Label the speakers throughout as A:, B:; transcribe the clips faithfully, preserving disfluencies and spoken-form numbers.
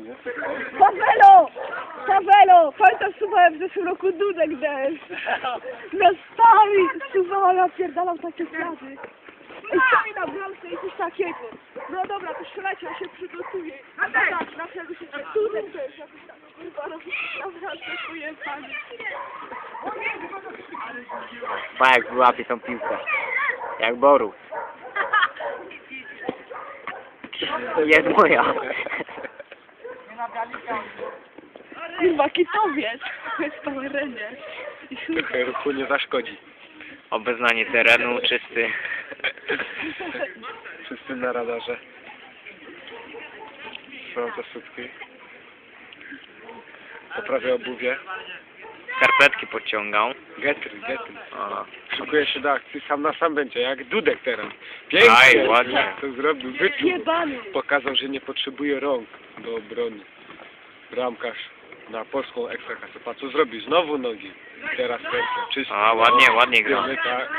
A: nie?
B: Pawelo! Pawelo! Pamiętam, suwałem w zeszłym roku Dudek deszcz. Miastami suwała, napierdalał takie sprawy. Ej, co mi na bramce i coś takiego. No dobra, to strzelajcie, ja się przygotuję. A tak, na przykład się Dudek też, jakoś tak, kurwa, robi na bramce swoje panie.
C: Pa jak wyłapie tą piłkę. Jak Boru. Jest moja.
B: Kurwa, kitowiec. Jest w terenie. I chuj.
A: Trochę ruchu nie zaszkodzi.
C: Obeznanie terenu, czysty.
A: Wszyscy na radarze. Sprawdza sutki. Poprawia obuwie.
C: Skarpetki podciągał.
A: Getry, getry.
C: O.
A: Szykuje się do akcji, sam na sam będzie, jak Dudek teraz. Pięknie!
C: Aj, ładnie.
A: To zrobił, wyczuł.
B: Jebany.
A: Pokazał, że nie potrzebuje rąk do obrony. Bramkarz na polską ekstraklasę. Patrz, co zrobił? Znowu nogi. I teraz serce. Czysto.
C: A, ładnie, ładnie gra.
A: Wiemy, tak.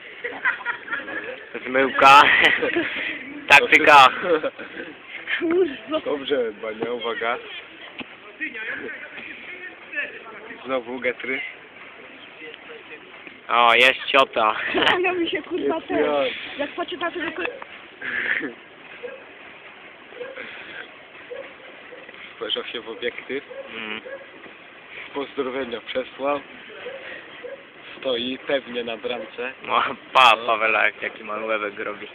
C: Zmyłka. Taktyka.
B: Kurwa.
A: Dobrze, Bania, uwaga. Znowu getry.
C: O, jest ciota.
B: Ja mi się kurwa
A: Jest
B: ten.
A: ja.
B: Jak patrzę na to, tylko...
A: Spojrzał się w obiektyw.
C: Mm.
A: Pozdrowienia przesłał. Stoi pewnie na bramce.
C: No, pa, Pawelak, jaki malłewek robi.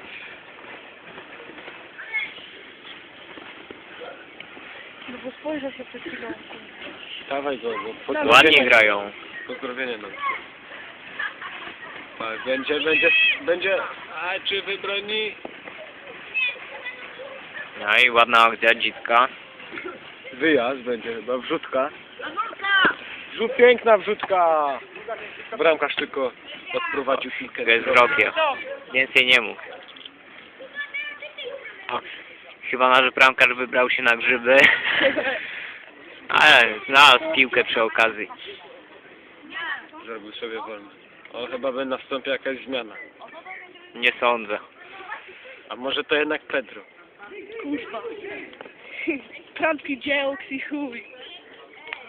B: No bo spojrzał się przed chwilą.
A: Dawaj go, bo
B: No,
C: Ładnie
A: pozdrowienia.
C: grają.
A: Pozdrowienia nam. Tak, będzie, będzie, będzie. A czy wybroni?
C: No i ładna akcja, dzitka.
A: Wyjazd będzie chyba, wrzutka. Wrzut, piękna wrzutka! Bramkarz tylko odprowadził piłkę.
C: Jest wrokiem. Więcej nie mógł. O, chyba nasz bramkarz wybrał się na grzyby. Ale znalazł piłkę przy okazji.
A: Zrobił sobie wolno. O, chyba by nastąpiła jakaś zmiana.
C: Nie sądzę.
A: A może to jednak Pedro?
B: Kurwa. Prądki dzieł, i chuj.